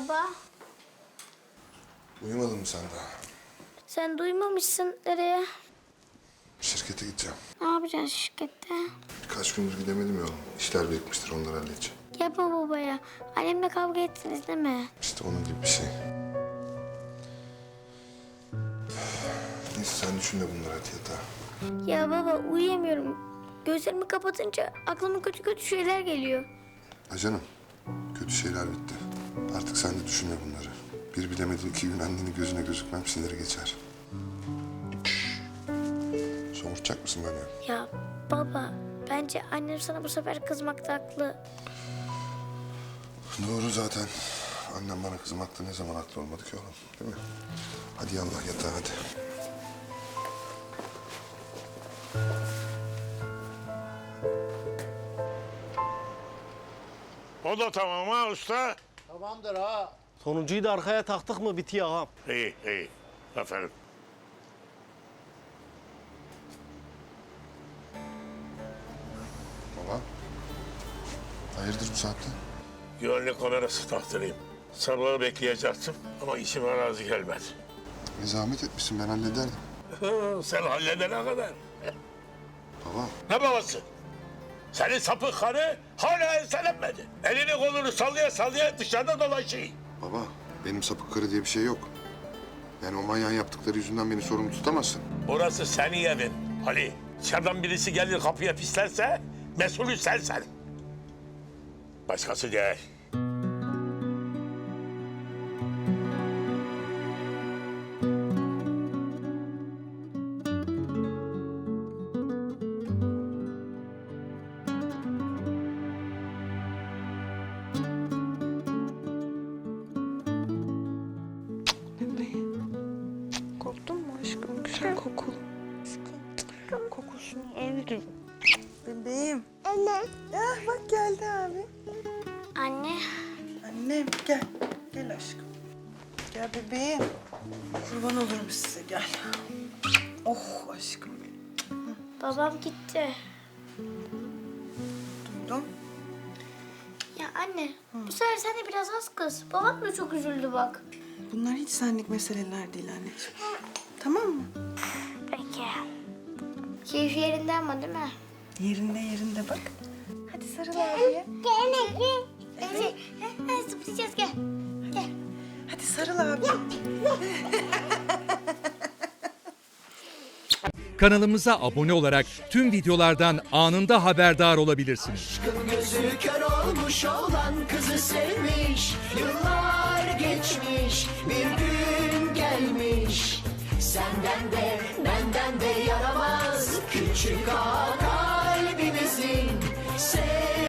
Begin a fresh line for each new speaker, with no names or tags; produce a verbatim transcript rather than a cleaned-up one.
Baba,
Uyumadın mı sen daha?
sen duymamışsın nereye?
Şirkete gideceğim.
Ne yapacaksın şirkette?
Birkaç gündür gidemedim ya oğlum. İşler birikmiştir, onları halledeceğim.
Yapma babaya. Annemle kavga ettiniz değil mi?
İşte onun gibi bir şey. Neyse sen düşünme bunları, hadi yatağa.
Ya baba uyuyamıyorum. Gözlerimi kapatınca aklıma kötü kötü şeyler geliyor.
Ha canım, kötü şeyler bitti. Artık sen de düşünme bunları. Bir bilemediğin iki gün annenin gözüne gözükmem siniri geçer. Somurtacak mısın beni?
Ya baba, bence annem sana bu sefer kızmakta haklı.
Doğru zaten. Annem bana kızmakta ne zaman haklı olmadı ki oğlum, değil mi? Hadi yallah yatağa hadi.
O da tamam ha usta.
Tamamdır ha. Sonuncuyu da arkaya taktık mı bitiyor ağam.
İyi iyi. Aferin.
Baba, hayırdır bu saatte?
Güvenlik kamerası taktırayım. Sabahı bekleyecektim ama işime razı gelmedi.
Bir zahmet etmişsin, ben hallederdim.
Sen halledene kadar.
Baba,
Ne babası? Senin sapık karı hala enselenmedi. Elini kolunu sallaya sallaya dışarıda dolaşıyor.
baba benim sapık karı diye bir şey yok. Yani o manyağın yaptıkları yüzünden beni sorumlu tutamazsın.
Burası senin evin Ali. Dışarıdan birisi gelir kapıya pislerse mesulü sensin. Başkası değil.
Korktun mu aşkım? Güzel kokulu. Kokusunu evrim. Bebeğim.
Anne.
Ah bak geldi abi.
Anne.
Annem gel. Gel aşkım. Gel bebeğim. Kurban olurum size gel. Oh aşkım benim.
Babam gitti.
Duydum.
Ya anne, bu sefer sen de biraz az kız. Babam da çok üzüldü bak.
Bunlar hiç senlik meseleler değil anneciğim. Tamam mı?
Peki. Keyfi yerinde ama değil mi?
Yerinde yerinde bak. Hadi sarıl abiye.
Gel, gel. Evet. Hadi zıplayacağız gel. Gel.
Hadi sarıl abiye.
Kanalımıza abone olarak tüm videolardan anında haberdar olabilirsiniz.
Gözü kör olmuş olan kızı sevmiş. Yıllar geçmiş, bir gün gelmiş. Senden de benden de yaramaz küçük ağa kalbimizin.